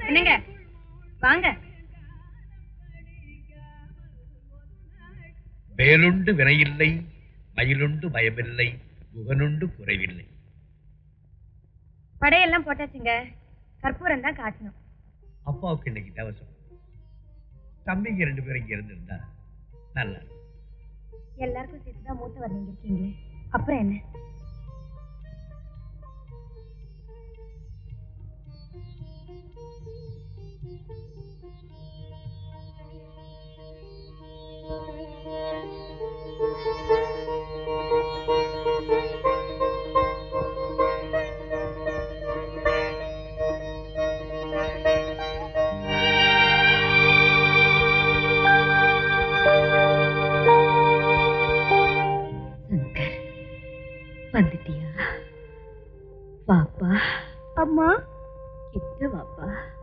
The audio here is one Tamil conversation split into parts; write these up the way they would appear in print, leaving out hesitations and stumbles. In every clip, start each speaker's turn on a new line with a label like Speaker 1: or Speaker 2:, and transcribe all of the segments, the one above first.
Speaker 1: என்னங்க வாங்க.
Speaker 2: வேலுண்டு வினையில்லை, மயிலுண்டு பயமில்லை, முகனுண்டு குறைவில்லை.
Speaker 1: படையெல்லாம் போட்டாச்சுங்க, கற்பூரம் தான் காட்டணும்.
Speaker 2: அப்பாவுக்கு இன்னைக்கு தவசம். தம்பிங்க 2 பேரும் இங்க இருந்திருந்தா நல்லா.
Speaker 1: எல்லாருக்கும் சேர்த்துதான் மூத்தவர் நீங்க இருக்கீங்களே, அப்புறம் என்ன?
Speaker 3: வந்துட்டியா? பாப்பா.
Speaker 1: அம்மா
Speaker 3: கிட்ட வாப்பா.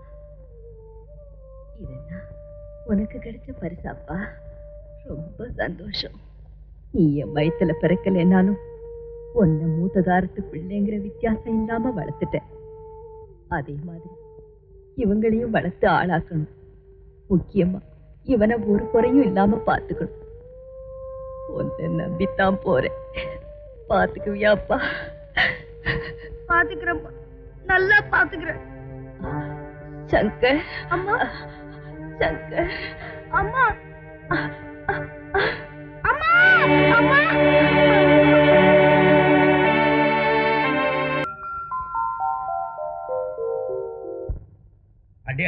Speaker 3: இதெல்லாம் உனக்கு கிடைச்ச பரிசாப்பா. ரொம்ப சந்தோஷம். நீ என் வயிற்றுல பிறக்கலைன்னாலும் உன்னை மூத்ததாரத்து பிள்ளைங்கிற வித்தியாசம் இல்லாம வளர்த்துட்டேன். அதே மாதிரி இவங்களையும் வளர்த்து ஆளாக்கணும். முக்கியமா இவனை ஒரு குறையும் இல்லாம பாத்துக்கணும். உன்னை நம்பித்தான் போறேன். பாத்துக்குவியாப்பா?
Speaker 1: பாத்துக்கிறேன், நல்லா பாத்துக்கிறேன்.
Speaker 3: சங்கர்.
Speaker 1: அம்மா
Speaker 3: சங்கர்.
Speaker 1: அம்மா அம்மா அம்மா.
Speaker 2: அடியா,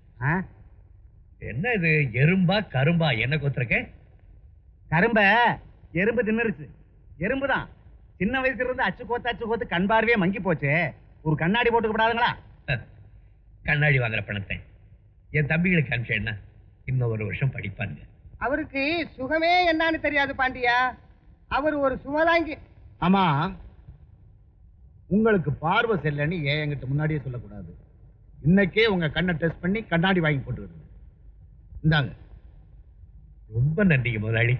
Speaker 2: என்ன இது? எறும்பா கரும்பா என்ன கொத்துருக்க?
Speaker 4: கரும்ப எறும்பு தின்னுருச்சு. எறும்புதான். சின்ன வயசுல இருந்து அச்சு கோத்து கண் பார்வையே மங்கி போச்சு. ஒரு கண்ணாடி போட்டுக்கப்படாதுங்களா?
Speaker 2: கண்ணாடி வாங்குற பணத்தை என் தம்பிகளுக்கு அனுப்பிச்சேன்னா இன்னும் 1 வருஷம் படிப்பாங்க.
Speaker 5: அவருக்கு சுகமே என்னன்னு தெரியாது பாண்டியா. அவர் ஒரு சுமதாங்கி.
Speaker 4: ஆமா, உங்களுக்கு பார்வை செல்லன்னு ஏன் என்கிட்ட முன்னாடியே சொல்லக்கூடாது. இன்னைக்கே உங்க கண்ணை டெஸ்ட் பண்ணி கண்ணாடி வாங்கி போட்டுக்கிடுங்க. இந்தாங்க.
Speaker 2: ரொம்ப நன்றிங்க முதலாளி.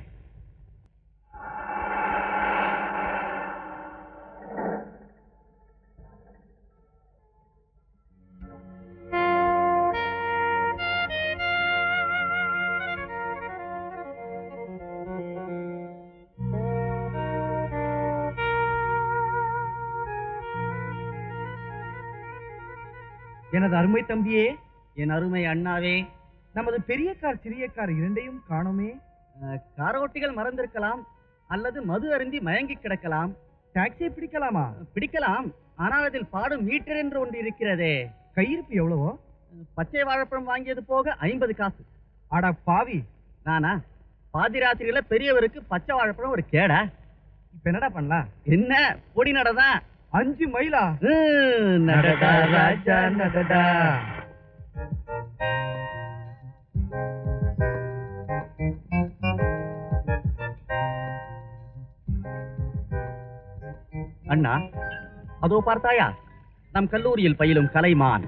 Speaker 4: எனது அருமை தம்பியே, என் அருமை அண்ணாவே, நமது பெரிய கார் சிறிய கார் இரண்டையும் காணோமே. காரோட்டிகள் மறந்திருக்கலாம், அல்லது மது அருந்தி மயங்கி கிடக்கலாம். டாக்ஸியை பிடிக்கலாமா? பிடிக்கலாம், ஆனால் அதில் பாடும் மீட்டர் என்று ஒன்று இருக்கிறதே. கையிருப்பு எவ்வளவோ? பச்சை வாழைப்பழம் வாங்கியது போக 50 காசு. ஆடா பாவி, நானா? பாதிராத்திரியில பெரியவருக்கு பச்சை வாழைப்பழம் ஒரு கேடா? இப்ப என்னடா பண்ணலாம்? என்ன பொடி நடதான். 5 மைலா? நடடா ராஜா நடடா. அண்ணா, அதோ பார்த்தாயா நம் கல்லூரியில் பயிலும் கலைமான்.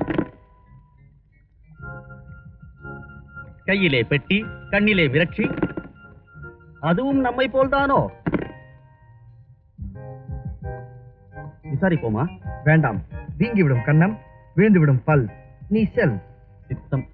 Speaker 4: கையிலே பெட்டி, கண்ணிலே விரட்சி. அதுவும் நம்மை போல்தானோ? விசாரிப்போமா? வேண்டாம், வீங்கிவிடும் கண்ணம், விழுந்துவிடும் பல். நீ செல். சித்தம்.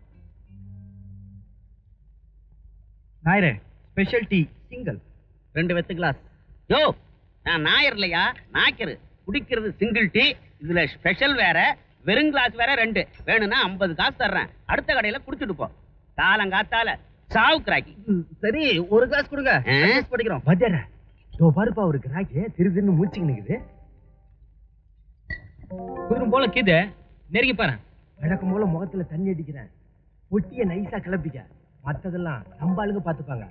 Speaker 4: நாயரே, ஸ்பெஷல் டீ சிங்கிள். 2 வெத்து கிளாஸ்.
Speaker 5: யோ, நான் நாயர் இல்லையா, நாய்க்கரு. குடிக்கிறது சிங்கிள் டீ, இதுல ஸ்பெஷல் வேற, வெறும் கிளாஸ் வேற 2. வேணும்னா 50 காசு தர்றேன். அடுத்த கடையில குடிச்சுட்டு போ. காலங்காத்தால சாவு கிராக்கி.
Speaker 4: சரி, ஒரு கிளாஸ் கொடுங்க, படிக்கிறோம். பஜர தோ பாருப்பா, ஒரு கிராக்கி திருதின்னு மூச்சுக்கு நிக்குது.
Speaker 6: குதிரும் போல கீது நெருங்கி பாரு.
Speaker 4: வழக்கம் போல முகத்துல தண்ணி அடிக்கிறேன். பொட்டிய நைஸா கிளப்பிக்க, மத்ததெல்லாம் நம்ம ஆளுங்க பாத்துப்பாங்க.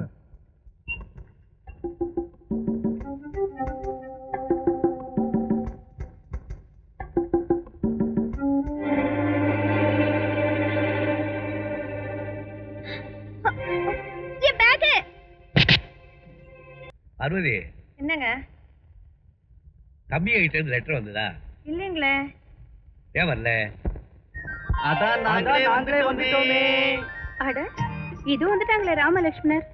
Speaker 2: பார்வதி,
Speaker 1: என்னங்க?
Speaker 2: தம்பி கிட்ட இருந்து லெட்டர் வந்ததா?
Speaker 1: இல்லீங்களே.
Speaker 2: ஏன் வரல?
Speaker 4: அதான் நாங்களே வந்துட்டோமே.
Speaker 1: அட, இது வந்துட்டாங்களே ராமலட்சுமணர்.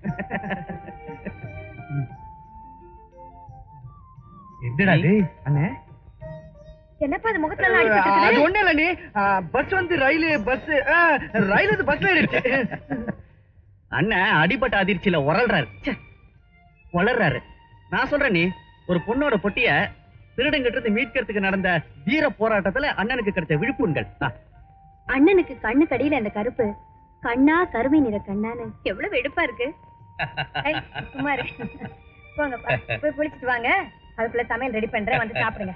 Speaker 2: என்னடா இது?
Speaker 4: அண்ணே,
Speaker 1: என்னப்பா அது முகத்துல எல்லாம் அடிபட்டு
Speaker 4: அது
Speaker 1: இருக்குது?
Speaker 4: ஒண்ணு இல்ல நீ பஸ் வந்து ரயில் பஸ் ரயில் வந்து பஸ்ல ஏறிடுச்சு. அண்ணன் அடிபட்ட அதிர்ச்சியில வளர்றாரு. நான் சொல்றேன் நீ ஒரு பொண்ணோட பொட்டிய திருடங்கிட்ட இருந்து மீட்கிறதுக்கு நடந்த வீர போராட்டத்துல அண்ணனுக்கு கிடைச்ச விழுப்புண்கள்.
Speaker 1: அண்ணனுக்கு கண்ணு கடியில அந்த கருப்பு கண்ணா கருமை நிற கண்ணான்னு எவ்வளவு வெடுப்பா இருக்கு. ஐய், சும்மா இரு. போங்கப்பா போய் குளிச்சிட்டு வாங்க. அதுக்குள்ள சமையல் ரெடி பண்றேன், வந்து சாப்பிடுங்க.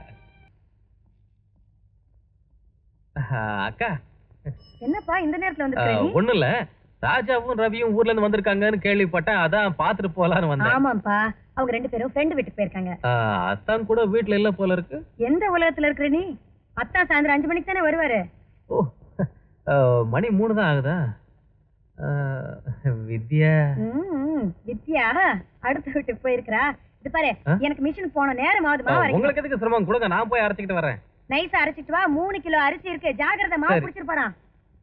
Speaker 6: அக்கா
Speaker 1: என்னப்பா இந்த நேரத்துல வந்து?
Speaker 6: ஒண்ணும் இல்ல, ராஜாவும் ரவியும் ஊர்ல இருந்து வந்திருக்காங்கன்னு கேள்விப்பட்டேன், அதான் பாத்துட்டு போலான்னு வந்தேன்.
Speaker 1: ஆமாப்பா, அவங்க 2 பேரும் ஃப்ரெண்ட் வீட்டுக்கு போயிருக்காங்க.
Speaker 6: அத்தான் கூட வீட்டுல இல்ல போல இருக்கு.
Speaker 1: எந்த உலகத்துல இருக்கிற நீ? அத்தா சாயந்தரம் 5 மணிக்கு தானே வருவாரு.
Speaker 6: ஓ, மணி 3 தான் ஆகுதா? வித்யா
Speaker 1: வித்யா அடுத்த வீட்டுக்கு போயிருக்கா. இது பாரு, எனக்கு மிஷின் போன நேரம் ஆகுதுமா.
Speaker 6: உங்களுக்கு எதுக்கு சிரமம் கொடுங்க, நான் போய் அரைச்சிட்டு வரேன்.
Speaker 1: நைஸா அரைச்சிட்டு வா. 3 கிலோ அரிசி இருக்கு, ஜாகிரதை, மாவு குடிச்சிட்டு போறான்.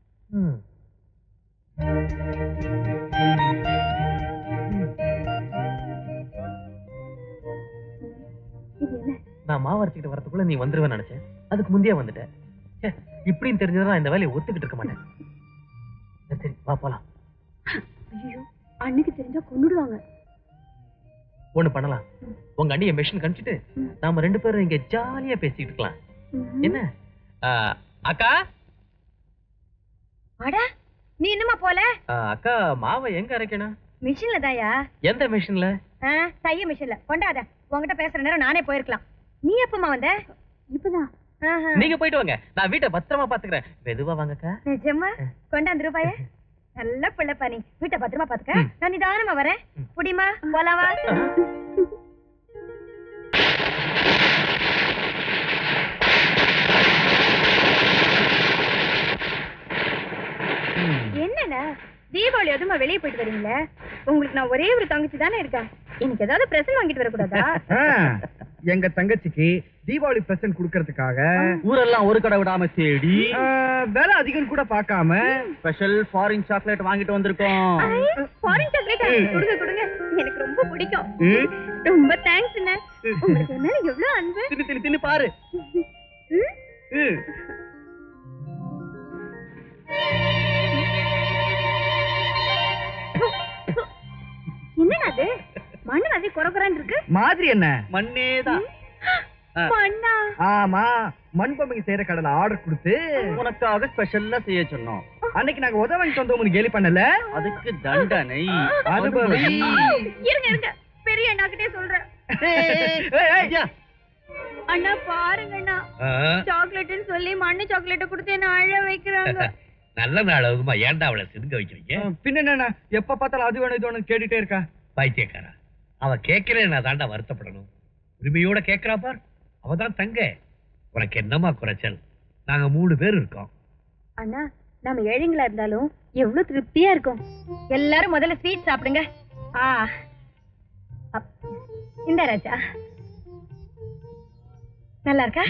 Speaker 6: நான் மாவு அரைச்சிட்டு வரதுக்குள்ள நீ வந்துருவேன்னு நினைச்சேன், அதுக்கு முந்தைய வந்துட்டேன். இப்படின்னு தெரிஞ்சதான் நான் இந்த வேலையை ஒத்துக்கிட்டு இருக்க மாட்டேன். சரி வா போலாம்.
Speaker 1: ஐயோ, அன்னைக்கு தெரிஞ்சா கொன்னுடுவாங்க.
Speaker 6: ஒண்ணு பண்ணலாம், உங்க அண்ணிய மெஷின் கணிச்சிட்டு நாம 2 பேரும் இங்க ஜாலியா பேசிட்டு இருக்கலாம். என்ன அக்கா?
Speaker 1: அட, நீ இன்னுமா போல?
Speaker 6: அக்கா, மாவை எங்க அரைக்கணும்?
Speaker 1: மிஷின்ல தாயா.
Speaker 6: எந்த மிஷின்ல?
Speaker 1: தைய மிஷின்ல. கொண்டாத, உங்ககிட்ட பேசுற நேரம் நானே போயிருக்கலாம். நீ எப்பமா வந்த? இப்பதான்.
Speaker 6: நீங்க போயிட்டு வாங்க, நான் வீட்டை பத்திரமா பாத்துக்கிறேன். மெதுவா வாங்கக்கா.
Speaker 1: நிஜமா? கொண்டாந்து ரூபாய. நல்ல பிள்ளைப்பா நீ. வீட்டை பத்திரமா பாத்துக்க, நான் நிதானமா வரேன். புடிமா, போலாவா? என்னண்ணா தீபாவளி அதுமா வெளியே போயிட்டு வரீங்களே? உங்களுக்கு நான் ஒரே ஒரு தங்கச்சி தானே இருக்கேன். எனக்கு ஏதாவது பிரசன்ட் வாங்கிட்டு வரக்கூடாதா?
Speaker 4: எங்க தங்கச்சிக்கு தீபாவளி பிரசன்ட் குடுக்கறதுக்காக ஊரெல்லாம் ஒரு கடை விடாம தேடி விலை அதிகம் கூட பார்க்காம ஸ்பெஷல் ஃபாரின் சாக்லேட் வாங்கிட்டு வந்திருக்கோம்.
Speaker 1: ஃபாரின் சாக்லேட் கொடுங்க கொடுங்க, எனக்கு ரொம்ப பிடிக்கும். ரொம்ப தேங்க்ஸ் அண்ணா. உங்களுக்கு என்ன எவ்வளவு அன்பு.
Speaker 4: தின்னு தின்னு தின்னு பாரு.
Speaker 1: என்னடா அது? மண்ணு மாதிரி குறக்குறான்னு இருக்கு.
Speaker 4: மாதிரி என்ன? மண்ணேதான்.
Speaker 1: மண்ணா?
Speaker 4: ஆமா, மண் பொம்மைக்கு செய்யற கடையில ஆர்டர் கொடுத்து உனக்காக ஸ்பெஷல்லா செய்ய சொன்னோம். அன்னைக்கு நாங்க உதவி சொந்தம் கேலி பண்ணல, அதுக்கு தண்டனை அனுபவி.
Speaker 1: இருங்க இருங்க, பெரிய அண்ணாக்கிட்டே சொல்றேன். அண்ணா பாருங்க அண்ணா, சாக்லேட்னு சொல்லி மண்ணு சாக்லேட்டை கொடுத்து என்ன அழ வைக்கிறாங்க.
Speaker 2: நல்ல நாள் ஆகுமா, ஏன்டா அவளை சிந்துக்க வைக்கிறீங்க?
Speaker 4: பின்ன என்ன, எப்ப பார்த்தாலும் அது வேணும் இது வேணும் கேட்டுட்டே இருக்கா.
Speaker 2: பைத்தியக்காரா, அவ கேட்கிறேன், நான் தாண்டா வருத்தப்படணும். உரிமையோட கேட்கிறா பார், அவதான் தங்க. உனக்கு என்னமா குறைச்சல்? நாங்க 3 பேர் இருக்கோம்.
Speaker 1: அண்ணா, நம்ம ஏழைங்களா இருந்தாலும் எவ்வளவு திருப்தியா இருக்கும். எல்லாரும் முதல்ல ஸ்வீட் சாப்பிடுங்க. இந்த ராஜா நல்லா இருக்கா?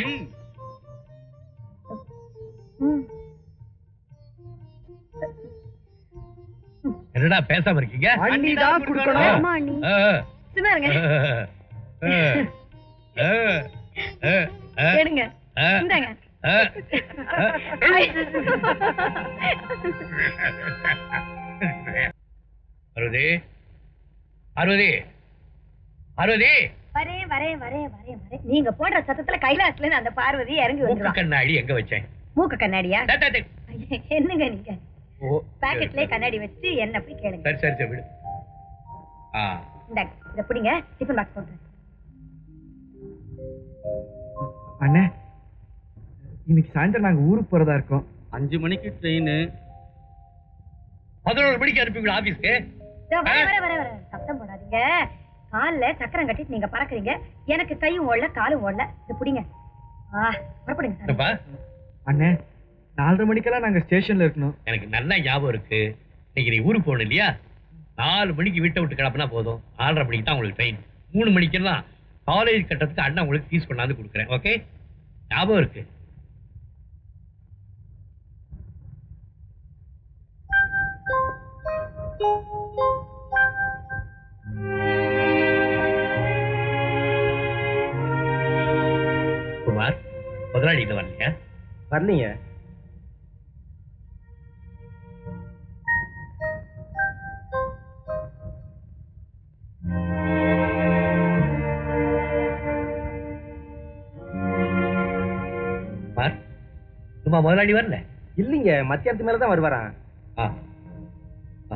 Speaker 2: என்னடா பேசாம இருக்கீங்க?
Speaker 4: அண்ணிதான் கொடுக்கணும்.
Speaker 1: ஆமா அண்ணி, சும்மா இருங்க. எடுங்க, இந்தாங்க.
Speaker 2: அருதி, அருதி, அருதி.
Speaker 1: வரேன் வரேன் வரேன் வரேன் வரேன். நீங்க போடுற சத்தத்துல கைலாசல இருந்து அந்த பார்வதி இறங்கி
Speaker 2: மூக்கு
Speaker 1: வந்துருவா.
Speaker 2: கண்ணாடி எங்க வச்சேன்?
Speaker 1: மூக்கு கண்ணாடியா?
Speaker 2: டே, டே, டே.
Speaker 1: என்னங்க நீங்க?
Speaker 2: ஓ,
Speaker 1: பாக்கெட்லயே கண்ணாடி வச்சு என்ன போய் கேளுங்க.
Speaker 2: சரி சரி சரி, விடு.
Speaker 1: இந்தாங்க, இத புடிங்க, டிஃபன் பாக்ஸ் போடுறேன்.
Speaker 4: அண்ணே, இன்னைக்கு சாயந்தரம் நாங்க ஊருக்கு போறதா இருக்கோம். 5 மணிக்கு ட்ரெயின்.
Speaker 2: 11 மணிக்கு அனுப்பிவிடு ஆபீஸ்க்கு.
Speaker 1: வர வர வர வர, சத்தம் போடாதீங்க. கால்ல சக்கரம் கட்டிட்டு நீங்க பறக்குறீங்க, எனக்கு கையும் ஓடல காலும் ஓடல. இத புடிங்க. புறப்படுங்க.
Speaker 4: அண்ணே, 4:30 மணிக்கெல்லாம் நாங்க ஸ்டேஷன்ல இருக்கணும்.
Speaker 2: எனக்கு நல்ல ஞாபகம் இருக்கு. இன்னைக்கு நீ ஊருக்கு போகணும் இல்லையா? 4 மணிக்கு வீட்டை விட்டு கிளப்பினா போதும். 4:30 மணிக்கு தான் உங்களுக்கு ட்ரெயின். 3 மணிக்கெல்லாம் காலேஜ் கட்டத்துக்கு அண்ணா உங்களுக்கு ஃபீஸ் கொண்டாந்து கொடுக்குறேன். ஓகே, ஞாபகம் இருக்கு. குமார், முதலாளி இன்னும் வரலையா?
Speaker 4: வரலீங்க.
Speaker 2: பார், சும்மா முதலாளி வரல.
Speaker 4: இல்லைங்க, மத்தியானத்து மேலதான் வருவாராம்.
Speaker 2: ஆ. ஆ.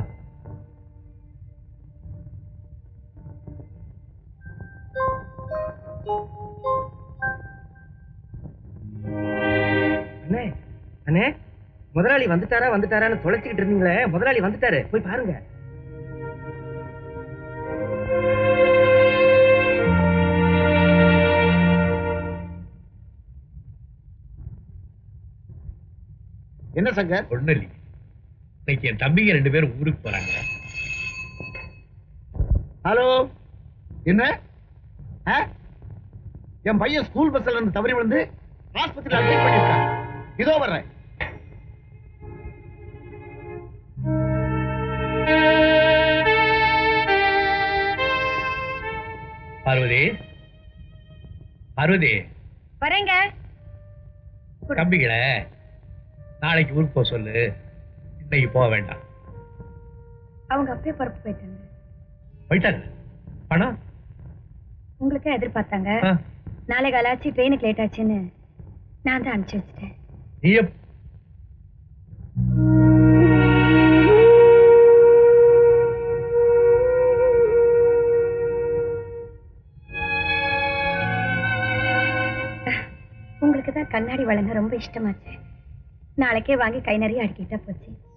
Speaker 4: அண்ணே அண்ணே, முதலாளி வந்துட்டாரான்னு தொலைச்சிக்கிட்டு இருந்தீங்களே, முதலாளி வந்துட்டாரு, போய் பாருங்க.
Speaker 7: என்ன சங்கர்?
Speaker 2: ஒண்ணு இல்லைங்க, இன்னைக்கு என் தம்பிங்க 2 பேரும் ஊருக்கு போறாங்க.
Speaker 7: ஹலோ, என்ன? என் பையன் ஸ்கூல் பஸ்ல இருந்து தவறி விழுந்து ஆஸ்பத்திரியில் அட்மிட் பண்ணிருக்கான். இதோ வர்றேன்.
Speaker 2: பார்வதி, பார்வதி,
Speaker 1: வரேங்க.
Speaker 2: தம்பிகளை நாளைக்கு ஊருக்கு போக சொல்லு, இன்னைக்கு போக வேண்டாம்.
Speaker 1: அவங்க அப்பயே பரப்பு போயிட்டாங்க.
Speaker 2: போயிட்டாங்க? பணம்
Speaker 1: உங்களுக்கே எதிர்பார்த்தாங்க.
Speaker 2: ஆ.
Speaker 1: நாளை காலாச்சு ட்ரெயினுக்கு லேட் ஆச்சுன்னு நான் தான் அனுப்பிச்சு வச்சுட்டேன்.
Speaker 2: நீ
Speaker 1: உங்களுக்கு தான் கண்ணாடி வழங்க ரொம்ப இஷ்டமாச்சு. நாளைக்கே வாங்கி கை நிறைய அடிக்கிட்டா போச்சு.